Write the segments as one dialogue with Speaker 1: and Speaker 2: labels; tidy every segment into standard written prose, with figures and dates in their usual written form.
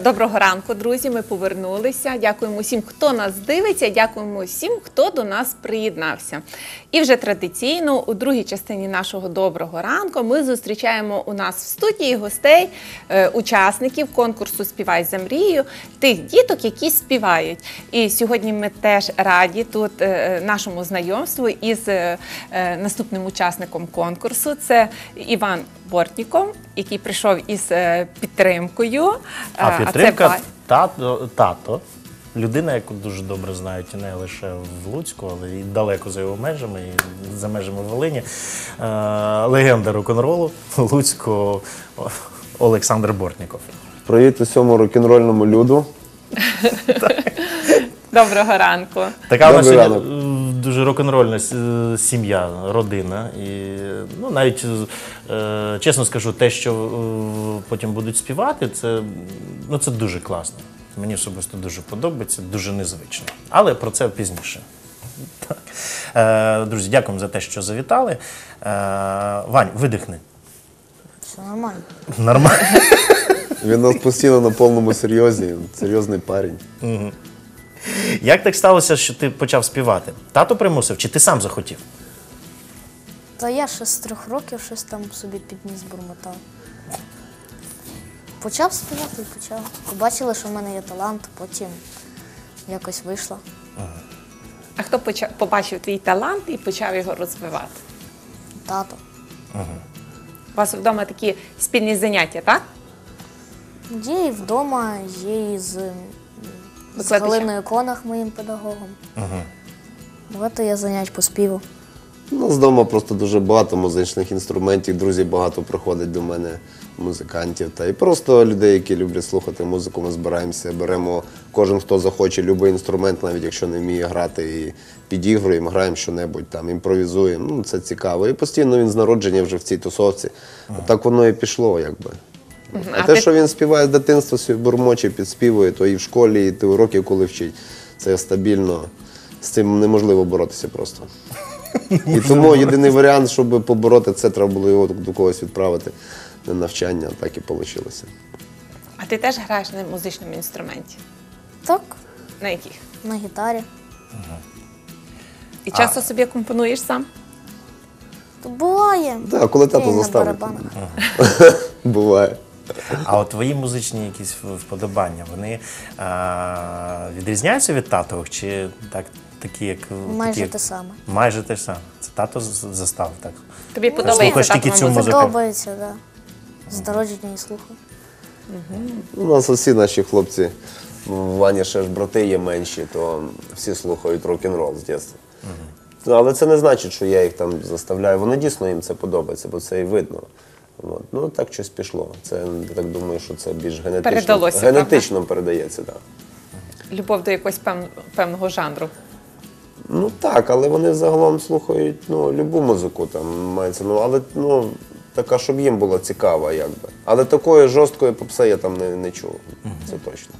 Speaker 1: Доброго ранку, друзі, ми повернулися. Дякуємо всім, хто нас дивиться, дякуємо всім, хто до нас приєднався. І вже традиційно у другій частині нашого доброго ранку ми зустрічаємо у нас в студії гостей, учасників конкурсу «Співай за мрію», тих діток, які співають. І сьогодні ми теж раді тут нашому знайомству із наступним учасником конкурсу. Це Іван Бортніков, який прийшов із підтримкою.
Speaker 2: А підтримка тато, людина, яку дуже добре знають не лише в Луцьку, але й далеко за його межами, і за межами Волині. Легенда рок-н-ролу Луцького Олександр Бортніков.
Speaker 3: Привіт усьому рок-н-рольному люду.
Speaker 1: Доброго ранку.
Speaker 2: Така у нас сьогодні дуже рок-н-рольна сім'я, родина. І, ну, навіть, чесно скажу, те, що потім будуть співати, це дуже класно. Мені особисто дуже подобається, дуже незвично. Але про це пізніше. Друзі, дякуємо за те, що завітали. Вань, видихни.
Speaker 4: Все нормально.
Speaker 2: Нормально.
Speaker 3: Він у нас постійно на повному серйозі, серйозний парень.
Speaker 2: Угу. Як так сталося, що ти почав співати? Тато примусив, чи ти сам захотів?
Speaker 4: Та я ще з 3 років щось там собі підніс, бурмотав. Почав співати і почав. Побачили, що в мене є талант, потім якось вийшло.
Speaker 1: А хто побачив твій талант і почав його розвивати?
Speaker 4: Тато.
Speaker 1: У вас вдома такі спільні заняття, так?
Speaker 4: Є і вдома, є і з Галиною Конах, моїм педагогом. Багато є занять по співу.
Speaker 3: У нас вдома просто дуже багато музичних інструментів, друзі багато приходять до мене, музикантів. Та і просто людей, які люблять слухати музику, ми збираємося, беремо кожен, хто захоче, будь-який інструмент, навіть якщо не вміє грати, і підігруємо, граємо що-небудь, там, імпровізуємо. Ну, це цікаво. І постійно він з народження вже в цій тусовці. Так воно і пішло, якби. А те, що він співає з дитинства, собі бурмоче, підспівує, то і в школі, і ти уроків, коли вчить, це стабільно. З цим неможливо боротися просто. І тому єдиний варіант, щоб побороти це, треба було його до когось відправити на навчання, так і вийшло.
Speaker 1: А ти теж граєш на музичному інструменті?
Speaker 4: Так,
Speaker 1: На яких?
Speaker 4: на гітарі.
Speaker 1: І часто собі компонуєш сам?
Speaker 4: То буває.
Speaker 3: Так, коли тато
Speaker 4: Є і на
Speaker 3: заставить.
Speaker 4: барабанах.
Speaker 3: Буває.
Speaker 2: А от твої музичні якісь вподобання, вони відрізняються від татових, чи такі, як...
Speaker 4: Майже те саме.
Speaker 2: Майже те ж саме. Це тато заставив, так?
Speaker 1: Тобі
Speaker 2: Слухаєш
Speaker 1: подобається
Speaker 2: тільки
Speaker 1: татова
Speaker 2: цю
Speaker 1: музика?
Speaker 2: музику?
Speaker 4: Подобається, так. З народження і слухаю.
Speaker 3: У нас усі наші хлопці, Ваня ще ж брати є менші, то всі слухають рок-н-рол з дитинства. Але це не значить, що я їх там заставляю. Вони дійсно їм це подобається, бо це і видно. От. Ну так щось пішло. Це, я так думаю, що це більш генетично передається. Так.
Speaker 1: Любов до якогось певного жанру.
Speaker 3: Ну так, але вони загалом слухають любу музику, там мається, але така, щоб їм була цікава, якби. Але такої жорсткої попси я там не чув, це точно.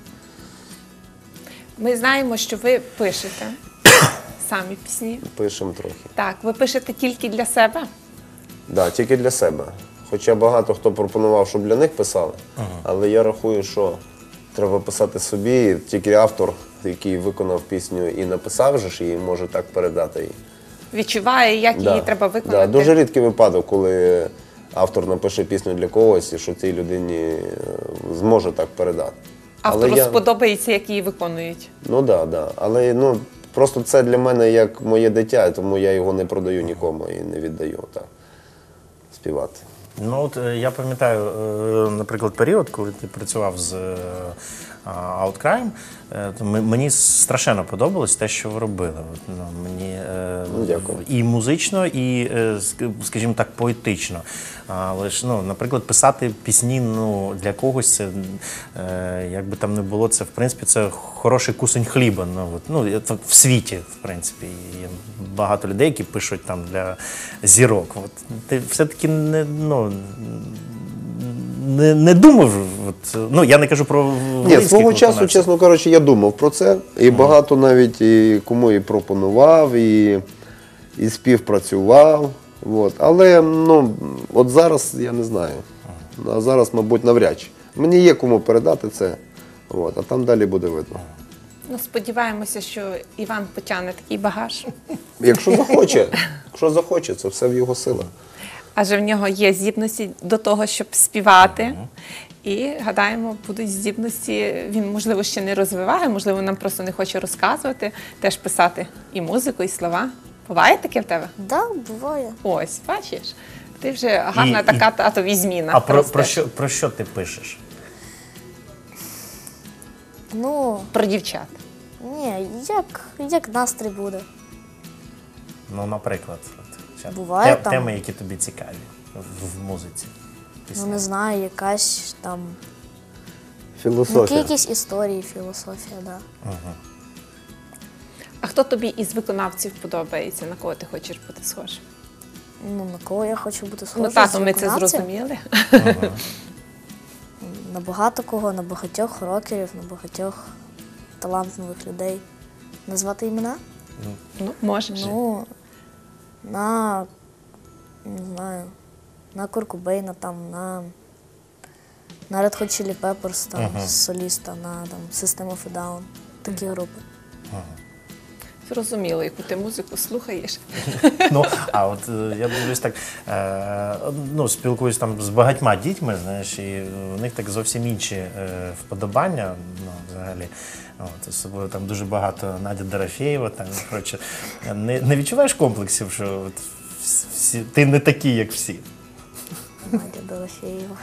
Speaker 1: Ми знаємо, що ви пишете самі пісні.
Speaker 3: Пишемо трохи.
Speaker 1: Так, ви пишете тільки для себе?
Speaker 3: Так, тільки для себе. Хоча багато хто пропонував, щоб для них писали, але я рахую, що треба писати собі, тільки автор, який виконав пісню і написав же ж її, може так передати її.
Speaker 1: Відчуває, як її треба виконати?
Speaker 3: Так, дуже рідкий випадок, коли автор напише пісню для когось і що цій людині зможе так передати.
Speaker 1: Автору сподобається, як її виконують?
Speaker 3: Ну так, але просто це для мене як моє дитя, тому я його не продаю нікому і не віддаю співати.
Speaker 2: Ну, от я пам'ятаю, наприклад, період, коли ти працював з Outcrime, мені страшенно подобалось те, що ви робили. Мені і музично, і, скажімо так, поетично. Але ж, наприклад, писати пісні для когось, це, як би там не було, це, в принципі, це хороший кусень хліба. В світі, в принципі. Є багато людей, які пишуть там для зірок. От, ти все-таки не думав, я не кажу про
Speaker 3: Ні, свого часу, чесно кажучи, я думав про це. І багато навіть кому і пропонував, і співпрацював. Але от зараз я не знаю. А зараз, мабуть, навряд чи. Мені є кому передати це. От, а там далі буде видно.
Speaker 1: Ну, сподіваємося, що Іван потягне такий багаж.
Speaker 3: Якщо захоче, це все в його силах.
Speaker 1: Адже в нього є здібності до того, щоб співати. І, гадаємо, будуть здібності, він, можливо, ще не розвиває, можливо, нам просто не хоче розказувати, теж писати і музику, і слова. Буває таке в тебе?
Speaker 4: Да, буває.
Speaker 1: Ось, бачиш? Ти вже гарна така татові зміна.
Speaker 2: А
Speaker 1: ростеш.
Speaker 2: про що ти пишеш?
Speaker 4: Ну,
Speaker 1: Про дівчат.
Speaker 4: ні, як настрій буде.
Speaker 2: Ну, наприклад, от,
Speaker 4: Буває там.
Speaker 2: теми, які тобі цікаві в музиці.
Speaker 4: Ну, не знаю, якась там.
Speaker 3: Філософія.
Speaker 4: Якісь історії, філософія, да.
Speaker 1: А хто тобі із виконавців подобається? На кого ти хочеш бути схожим?
Speaker 4: Ну, на кого я хочу бути схожа?
Speaker 1: Ну, тато,
Speaker 4: з
Speaker 1: ми це
Speaker 4: виконавців?
Speaker 1: зрозуміли.
Speaker 4: На багато кого, на багатьох рокерів, на багатьох талантливих людей. Назвати імена?
Speaker 1: Ну, можеш.
Speaker 4: Ну, не знаю, на Курт Кобейна, там, на Red Hot Chili Peppers, там, соліста, на там, System of a Down, такі групи.
Speaker 1: Зрозуміло, яку ти музику слухаєш.
Speaker 2: Ну, а от я дивлюсь так, ну, спілкуюсь там з багатьма дітьми, знаєш, і в них так зовсім інші вподобання, ну, взагалі. От, особливо там дуже багато Надя Дорофєєва, там, коротше. Не відчуваєш комплексів, що от ти не такий, як всі?
Speaker 4: Надя Дорофєєва.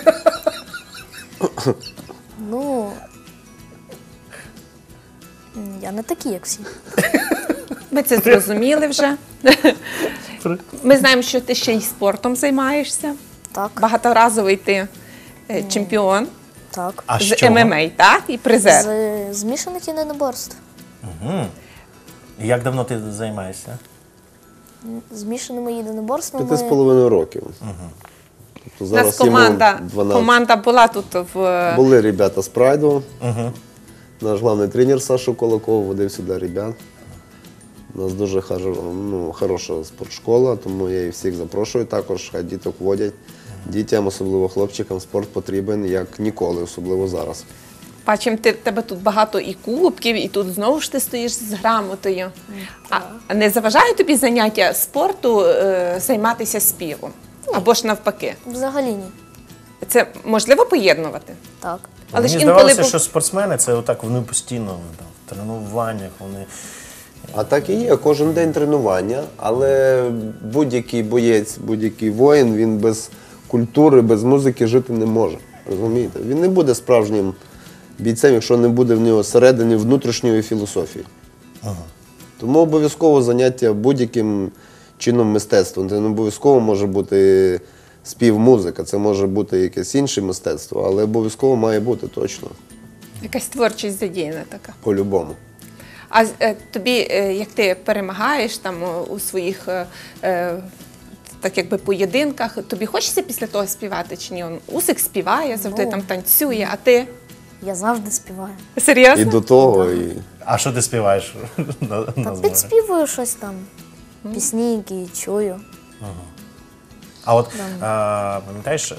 Speaker 4: Ну, я не такий, як всі.
Speaker 1: Ми це зрозуміли вже. Ми знаємо, що ти ще й спортом займаєшся.
Speaker 4: Так,
Speaker 1: Багаторазовий ти чемпіон
Speaker 4: так.
Speaker 2: А
Speaker 1: з
Speaker 2: що?
Speaker 1: ММА, так? І призер.
Speaker 4: З змішаних єдиноборств.
Speaker 2: І як давно ти займаєшся?
Speaker 4: Змішаними єдиноборствами.
Speaker 3: 5,5 років. Тобто
Speaker 1: У нас
Speaker 3: зараз йому
Speaker 1: команда,
Speaker 3: 12.
Speaker 1: команда була тут в...
Speaker 3: Були ребята з Прайду. Наш головний тренер Саша Кулаков водив сюди ребят. У нас дуже хороша спортшкола, тому я і всіх запрошую також, хай діток водять. Дітям, особливо хлопчикам, спорт потрібен як ніколи, особливо зараз.
Speaker 1: Бачимо, тебе тут багато і кубків, і тут знову ж ти стоїш з грамотою. А не заважає тобі заняття спорту займатися співом? Або ж навпаки?
Speaker 4: Взагалі ні.
Speaker 1: Це можливо поєднувати?
Speaker 4: Так.
Speaker 1: Але ж
Speaker 2: Мені
Speaker 1: інколи
Speaker 2: здавалося, що спортсмени це отак, вони постійно там, в тренуваннях, вони...
Speaker 3: А так і є, кожен день тренування, але будь-який боєць, будь-який воїн, він без культури, без музики жити не може. Розумієте? Він не буде справжнім бійцем, якщо не буде в нього середини внутрішньої філософії. Тому обов'язково заняття будь-яким чином мистецтвом. Це не обов'язково може бути спів, музика, це може бути якесь інше мистецтво, але обов'язково має бути точно,
Speaker 1: якась творчість задіяна така.
Speaker 3: по-любому.
Speaker 1: А тобі, як ти перемагаєш там у своїх так якби поєдинках, тобі хочеться після того співати чи ні? Усик співає, завжди там танцює, а ти?
Speaker 4: Я завжди співаю.
Speaker 1: Серйозно?
Speaker 3: І до того, і...
Speaker 2: А що ти співаєш на
Speaker 4: Та
Speaker 2: зборах?
Speaker 4: підспівую щось там. Пісні, які чую.
Speaker 2: А от пам'ятаєш,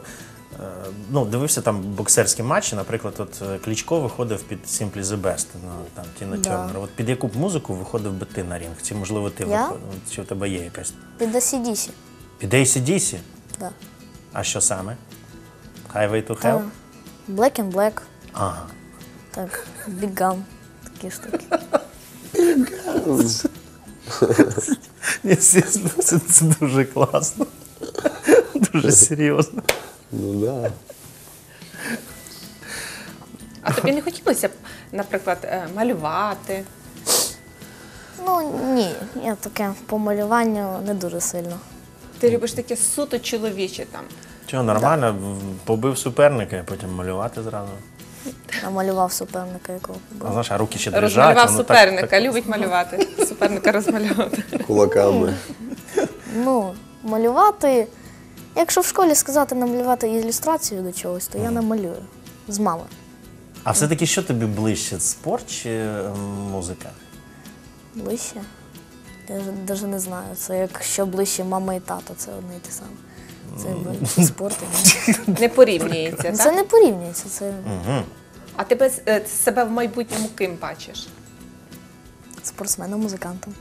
Speaker 2: ну, дивився там боксерські матчі, наприклад, от Кличко виходив під Simply the Best, ну, там Тіна Тернер. От під яку б музику виходив би ти на ринг? Чи, можливо, ти
Speaker 4: Я?
Speaker 2: виходив? Чи у тебе є якась?
Speaker 4: Під AC/DC.
Speaker 2: Під AC/DC?
Speaker 4: Да.
Speaker 2: А що саме? Highway to Hell?
Speaker 4: Black and Black.
Speaker 2: Ага.
Speaker 4: Так, Big Gun. Такі штуки.
Speaker 2: Ні, це дуже класно. Дуже серйозно.
Speaker 3: Ну да.
Speaker 1: А тобі не хотілося б, наприклад, малювати?
Speaker 4: Ну, ні, я таке по малюванню не дуже сильно.
Speaker 1: Ти любиш таке суто чоловіче там?
Speaker 2: Чого, нормально, побив суперника, і потім малювати зразу.
Speaker 4: Намалював суперника, якого
Speaker 2: А
Speaker 4: побив.
Speaker 2: знаєш, а руки ще дрижать.
Speaker 1: Розмалював
Speaker 2: воно
Speaker 1: суперника,
Speaker 2: так-
Speaker 1: любить малювати. Суперника розмальовувати.
Speaker 3: Кулаками.
Speaker 4: Ну, малювати. Якщо в школі сказати намалювати ілюстрацію до чогось, то я намалюю. З мами.
Speaker 2: А все-таки що тобі ближче, спорт чи музика?
Speaker 4: Ближче. Я навіть не знаю. Це якщо ближче мама і тато, це одне і те саме. Це якби спорт.
Speaker 1: Не порівнюється,
Speaker 4: Це
Speaker 1: так?
Speaker 4: не порівнюється. Це
Speaker 1: А тебе себе в майбутньому ким бачиш?
Speaker 4: Спортсменом, музикантом.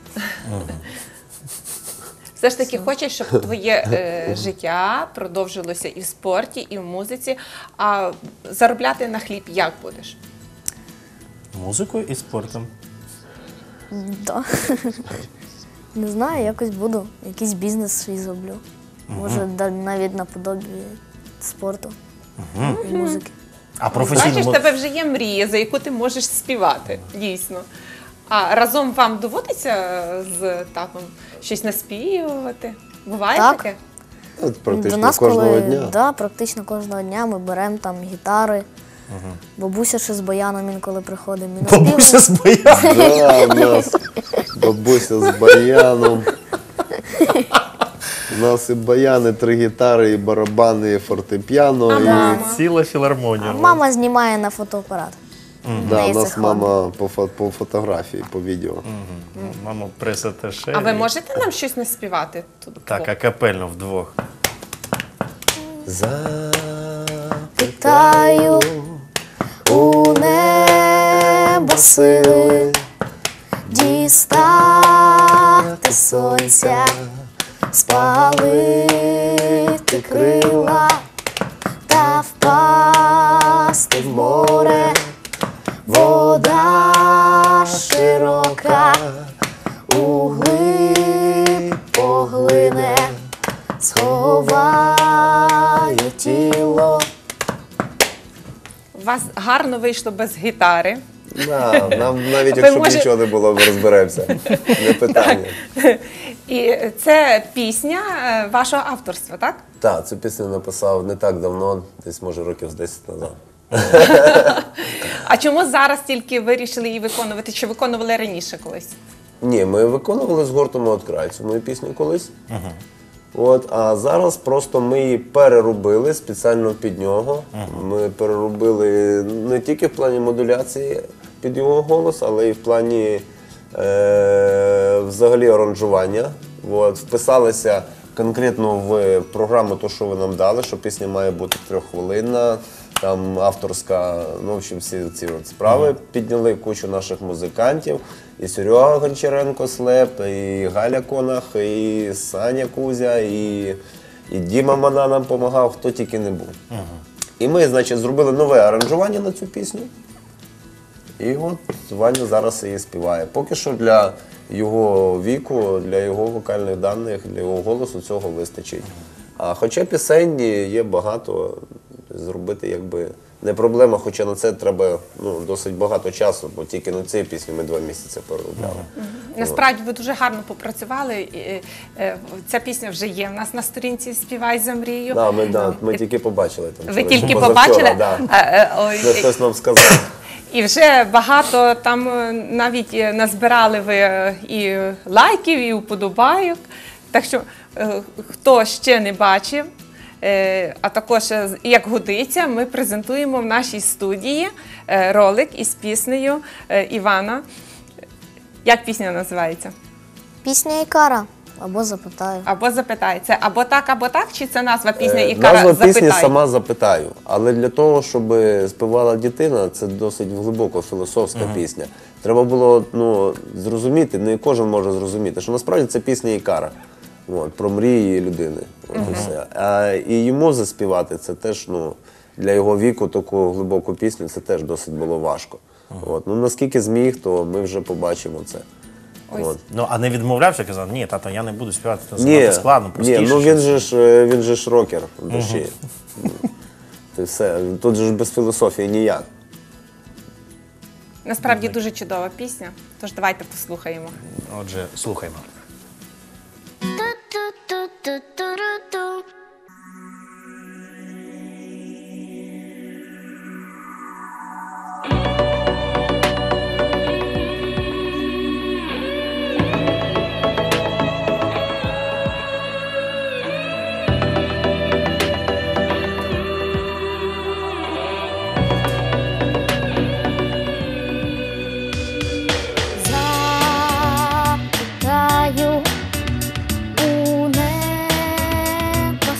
Speaker 1: Все ж таки хочеш, щоб твоє життя продовжилося і в спорті, і в музиці, а заробляти на хліб як будеш?
Speaker 2: Музикою і спортом.
Speaker 4: Да. Не знаю, якось буду. Якийсь бізнес свій зроблю. Може, навіть наподобі спорту і музики.
Speaker 2: А
Speaker 1: Бачиш,
Speaker 2: професійно...
Speaker 1: в тебе вже є мрія, за яку ти можеш співати, дійсно. А разом вам доводиться з татом щось наспівувати? Буває
Speaker 4: Так.
Speaker 1: таке?
Speaker 3: От практично кожного дня.
Speaker 4: Да, практично кожного дня ми беремо там гітари. Бабуся ще з баяном інколи приходить. Ми
Speaker 2: Бабуся
Speaker 4: наспівуємо.
Speaker 2: з баяном.
Speaker 3: Да, у нас бабуся з баяном. У нас і баяни, 3 гітари, і барабани, і фортепіано. І...
Speaker 2: Ціла філармонія.
Speaker 4: Мама знімає на фотоапарат.
Speaker 3: Да,
Speaker 4: неї
Speaker 3: у
Speaker 4: це
Speaker 3: нас
Speaker 4: хобі.
Speaker 3: мама по фотографії, по відео.
Speaker 2: Мама пресатеше.
Speaker 1: А ви можете нам щось наспівати тут?
Speaker 2: Так, акапельно вдвох.
Speaker 4: Питаю у небо сили дістати сонця, спалити крила та впасти в море. Вода широка углиб поглине, сховає тіло.
Speaker 1: У вас гарно вийшло без гітари.
Speaker 3: Да, нам навіть
Speaker 1: Ви
Speaker 3: якщо б
Speaker 1: може-
Speaker 3: нічого не було, ми розберемося. Не питання.
Speaker 1: І це пісня вашого авторства, так?
Speaker 3: Так, цю пісню написав не так давно, десь може років з 10 назад.
Speaker 1: А чому зараз тільки вирішили її виконувати? Чи виконували раніше колись?
Speaker 3: Ні, ми виконували з гуртом «Outcry» цю мою пісню колись. От, а зараз просто ми її переробили спеціально під нього. Ми переробили не тільки в плані модуляції під його голос, але й в плані взагалі аранжування. От, вписалися конкретно в програму, то, що ви нам дали, що пісня має бути 3-хвилинна, там авторська, ну, в общем, всі ці от справи. Підняли кучу наших музикантів. І Серега Гончаренко Слеп, і Галя Конах, і Саня Кузя, і Діма Мана нам допомагав, хто тільки не був. І ми, значить, зробили нове аранжування на цю пісню. І от Ваня зараз її співає. Поки що для його віку, для його вокальних даних, для його голосу цього вистачить. А хоча пісень є багато, зробити якби не проблема, хоча на це треба досить багато часу, бо тільки на цій пісні ми 2 місяці переробляли.
Speaker 1: Насправді ви дуже гарно попрацювали. Ця пісня вже є в нас на сторінці «Співай за мрію».
Speaker 3: Да, ми тільки побачили там.
Speaker 1: Ви
Speaker 3: вчора,
Speaker 1: тільки
Speaker 3: позавчора,
Speaker 1: побачили?
Speaker 3: Да.
Speaker 1: Ой,
Speaker 3: Це хтось нам сказав.
Speaker 1: І вже багато там навіть назбирали ви і лайків, і уподобайок. Так що, хто ще не бачив, а також, як годиться, ми презентуємо в нашій студії ролик із піснею Івана. Як пісня називається?
Speaker 4: Пісня Ікара. Або запитаю.
Speaker 1: Або запитай. Це або так, чи це назва пісні Ікара
Speaker 3: Назва
Speaker 1: «Запитай»?
Speaker 3: пісні «Сама запитаю». Але для того, щоб співала дитина, це досить глибоко філософська пісня. Треба було зрозуміти, не кожен може зрозуміти, що насправді це пісня Ікара. От, про мрії людини. От, і все. І йому заспівати це теж, для його віку таку глибоку пісню, це теж досить було важко. От, наскільки зміг, то ми вже побачимо це. От.
Speaker 2: Ну, а не відмовлявся, казав, ні, тато, я не буду співати, це
Speaker 3: Ні,
Speaker 2: занадто складно, простіше.
Speaker 3: ні, він же ж рокер в душі. Це все. Тут же ж без філософії ніяк.
Speaker 1: Насправді дуже чудова пісня, тож давайте послухаємо.
Speaker 2: Отже, слухаймо.
Speaker 5: Ту-ту-ту-ту-ту-ру-ту.
Speaker 4: Запитаю у небо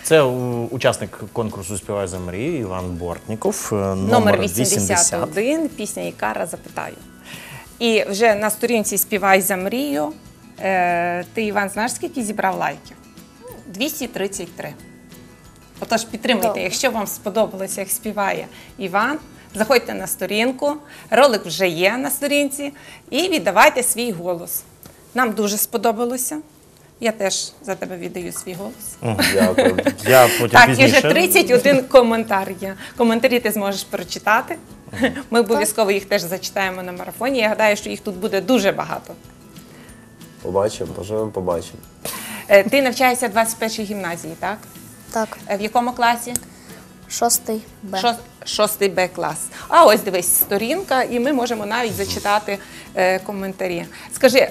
Speaker 2: Це учасник конкурсу «Співай за мрію» Іван Бортніков,
Speaker 1: Номер 81, пісня «Ікара запитаю». І вже на сторінці «Співай за мрію» ти, Іван, знаєш, скільки зібрав лайків? 233. Отож, підтримуйте,
Speaker 4: Добре.
Speaker 1: якщо вам сподобалося, як співає Іван, заходьте на сторінку, ролик вже є на сторінці, і віддавайте свій голос. Нам дуже сподобалося. Я теж за тебе віддаю свій голос.
Speaker 3: Дякую.
Speaker 2: Я потім
Speaker 1: Так, і
Speaker 2: пізніше.
Speaker 1: вже 31 коментар є. Коментарі ти зможеш прочитати. Ми обов'язково їх теж зачитаємо на марафоні. Я гадаю, що їх тут буде дуже багато.
Speaker 3: Побачимо, поживемо, побачимо.
Speaker 1: Ти навчаєшся в 21-й гімназії, так?
Speaker 4: Так,
Speaker 1: В якому класі?
Speaker 4: 6 Б.
Speaker 1: 6 Б клас. А ось дивись, сторінка, і ми можемо навіть зачитати коментарі. Скажи,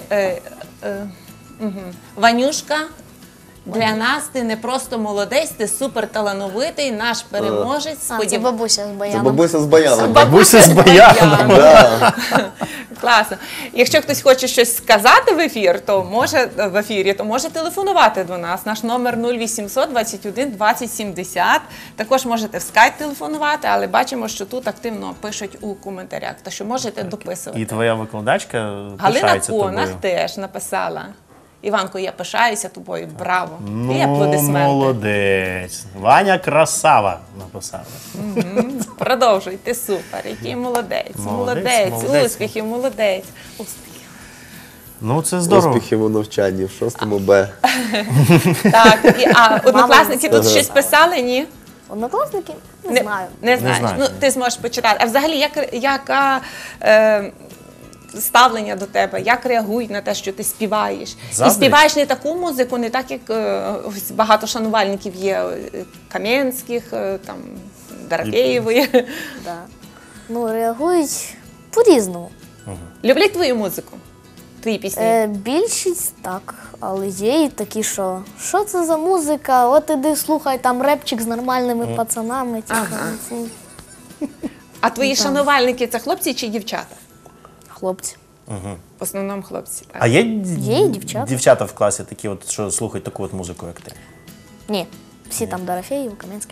Speaker 1: Ванюшка, для нас ти не просто молодець, ти суперталановитий, наш переможець.
Speaker 4: А, це бабуся з
Speaker 3: Це
Speaker 4: баяном.
Speaker 3: бабуся з баяном.
Speaker 2: Бабуся з баяном.
Speaker 3: Да.
Speaker 1: Класно. Якщо хтось хоче щось сказати в ефірі, то може телефонувати до нас. Наш номер 0800 21 20 70. Також можете в скайп телефонувати, але бачимо, що тут активно пишуть у коментарях, то що можете дописувати.
Speaker 2: І твоя викладачка
Speaker 1: Галина
Speaker 2: пишається
Speaker 1: Конах
Speaker 2: тобою.
Speaker 1: теж написала. Іванко, я пишаюся тобою, браво. І
Speaker 2: Ну,
Speaker 1: аплодисменти.
Speaker 2: молодець. Ваня красава написала.
Speaker 1: Продовжуй, ти супер, який молодець,
Speaker 2: Молодець,
Speaker 1: молодець,
Speaker 2: молодець.
Speaker 1: успіхів, молодець.
Speaker 2: Ну, це здорово.
Speaker 3: Успіхів у навчанні в 6 Б.
Speaker 1: Так, а однокласники тут щось писали, ні?
Speaker 4: Однокласники? Не знаю.
Speaker 1: Не знаєш.
Speaker 2: знаю.
Speaker 1: Ну, ти зможеш почитати. А взагалі, яке ставлення до тебе? Як реагують на те, що ти співаєш?
Speaker 2: Заздрять?
Speaker 1: І співаєш не таку музику, не так, як ось багато шанувальників є Кам'янських, там, Дорофєєвої.
Speaker 4: Да. Ну, реагують по-різному.
Speaker 1: Люблять твою музику? Твої пісні?
Speaker 4: Більшість так, але є і такі, що це за музика, от іди слухай, там репчик з нормальними пацанами. Типу, це
Speaker 1: А твої шанувальники це хлопці чи дівчата?
Speaker 4: хлопці.
Speaker 1: В основному хлопці. Так.
Speaker 2: А є,
Speaker 4: Є і дівчата.
Speaker 2: дівчата в класі такі, от, що слухають таку от музику, як ти?
Speaker 4: Ні, всі там Дорофєєв, Кам'янських.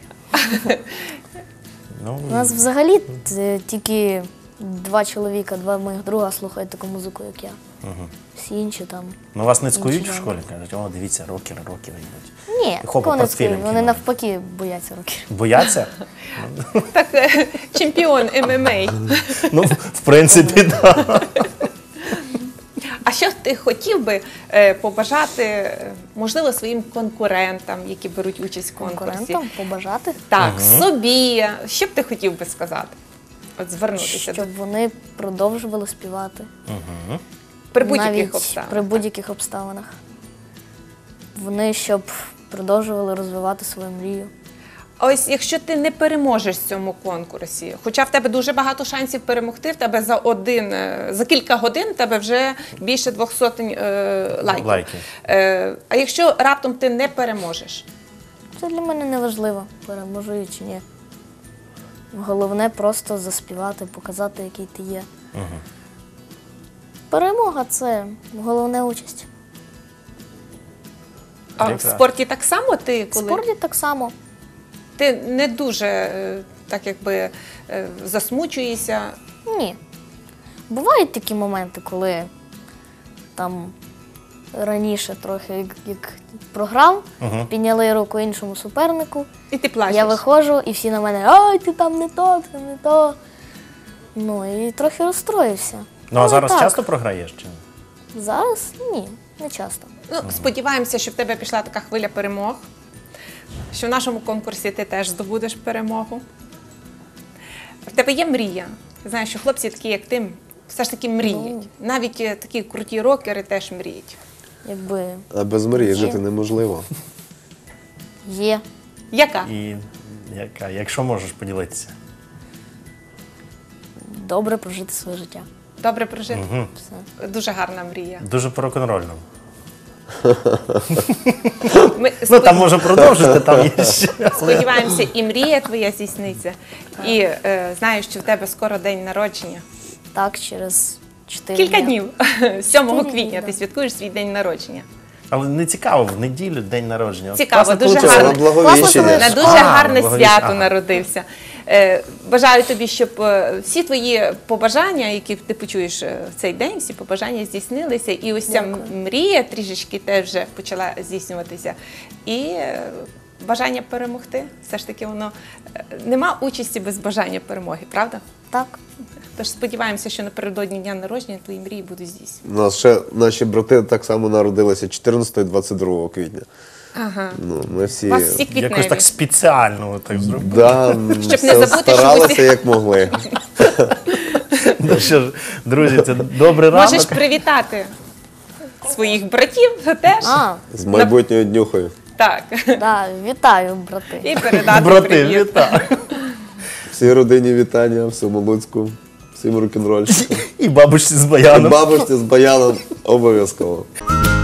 Speaker 2: Ну,
Speaker 4: У нас взагалі тільки 2 чоловіка, 2 моїх друга слухають таку музику, як я. Всі інші там.
Speaker 2: ну вас не цькують
Speaker 4: Інші
Speaker 2: в школі? Кажуть, о, дивіться, рокери йдуть.
Speaker 4: Ні,
Speaker 2: Хопа,
Speaker 4: такого не
Speaker 2: портфелем
Speaker 4: скажу. Вони
Speaker 2: кидали.
Speaker 4: навпаки бояться років.
Speaker 2: Бояться?
Speaker 1: Так, чемпіон ММА.
Speaker 2: Ну, в принципі, так.
Speaker 1: А що ти хотів би побажати, можливо, своїм конкурентам, які беруть участь в конкурсі?
Speaker 4: Конкурентам побажати,
Speaker 1: Так, собі. Що б ти хотів би сказати? От звернутися
Speaker 4: щоб вони продовжували співати.
Speaker 1: при будь-яких
Speaker 4: Навіть
Speaker 1: обставинах.
Speaker 4: при будь-яких обставинах. Вони щоб продовжували розвивати свою мрію.
Speaker 1: А ось якщо ти не переможеш в цьому конкурсі, хоча в тебе дуже багато шансів перемогти, в тебе за кілька годин в тебе вже більше 200 лайків.
Speaker 2: Лайків.
Speaker 1: А якщо раптом ти не переможеш?
Speaker 4: Це для мене не важливо, переможу я чи ні. Головне просто заспівати, показати, який ти є. Перемога це головна участь.
Speaker 1: А в
Speaker 2: Прекрасно.
Speaker 1: спорті так само ти,
Speaker 4: В
Speaker 1: коли
Speaker 4: спорті так само.
Speaker 1: ти не дуже так якби засмучуєшся?
Speaker 4: Ні. Бувають такі моменти, коли там раніше трохи як програв, підняли руку іншому супернику.
Speaker 1: І ти плачеш.
Speaker 4: Я виходжу, і всі на мене, ай, ти там не то, ти не то. Ну і трохи розстроївся.
Speaker 2: Ну, а
Speaker 4: Але
Speaker 2: зараз
Speaker 4: так.
Speaker 2: часто програєш чи ні?
Speaker 4: Зараз ні, не часто.
Speaker 1: Ну, сподіваємося, що в тебе пішла така хвиля перемог, що в нашому конкурсі ти теж здобудеш перемогу. В тебе є мрія. Ти знаєш, що хлопці такі, як ти, все ж таки мріють. Навіть такі круті рокери теж мріють.
Speaker 4: Якби
Speaker 3: А без мрії
Speaker 4: Є.
Speaker 3: жити неможливо.
Speaker 4: є.
Speaker 1: Яка?
Speaker 2: І яка, якщо можеш поділитися.
Speaker 4: Добре прожити своє життя.
Speaker 1: Добре прожити?
Speaker 4: Все.
Speaker 1: Дуже гарна мрія.
Speaker 2: Дуже по-рок-н-рольно.
Speaker 1: Ми
Speaker 2: Ну, там може продовжити, там є ще.
Speaker 1: сподіваємося, і мрія твоя здійсниться. І знаю, що в тебе скоро день народження.
Speaker 4: Так, через 4
Speaker 1: Кілька днів. 7
Speaker 4: 4
Speaker 1: квітня
Speaker 4: дні,
Speaker 1: ти
Speaker 4: да.
Speaker 1: святкуєш свій день народження.
Speaker 2: Але не цікаво, в неділю день народження. От
Speaker 1: Цікаво,
Speaker 2: класно
Speaker 1: дуже
Speaker 2: получилось.
Speaker 1: гарно.
Speaker 3: На Благовіщення.
Speaker 1: На дуже
Speaker 2: А,
Speaker 1: гарне
Speaker 2: Благовіщення.
Speaker 1: свято народився. Бажаю тобі, щоб всі твої побажання, які ти почуєш в цей день, всі побажання здійснилися. І ось ця мрія трішечки теж вже почала здійснюватися. І бажання перемогти. Все ж таки воно нема участі без бажання перемоги, правда?
Speaker 4: Так.
Speaker 1: Тож сподіваємося, що напередодні дня народження твої мрії будуть здійснені.
Speaker 3: У нас ще наші брати так само народилися 14 і 22 квітня.
Speaker 1: Ага.
Speaker 3: Ну, ми всі...
Speaker 1: У вас всі квітневі.
Speaker 2: Якось так спеціально так зробили.
Speaker 3: Да,
Speaker 1: Щоб не забути, що
Speaker 3: старалися
Speaker 1: усі-
Speaker 3: як могли.
Speaker 2: Ну що ж, друзі, це добрий ранок.
Speaker 1: Можеш привітати своїх братів теж.
Speaker 3: З майбутньою днюхою.
Speaker 1: Так.
Speaker 4: Да, вітаю, брати.
Speaker 1: І передати
Speaker 2: Брати,
Speaker 1: привіт.
Speaker 2: вітаю.
Speaker 3: Всій родині вітання, всьому Луцьку, всім рок-н-рольщикам.
Speaker 2: І бабусі з
Speaker 3: І
Speaker 2: баяном.
Speaker 3: бабусі з баяном обов'язково.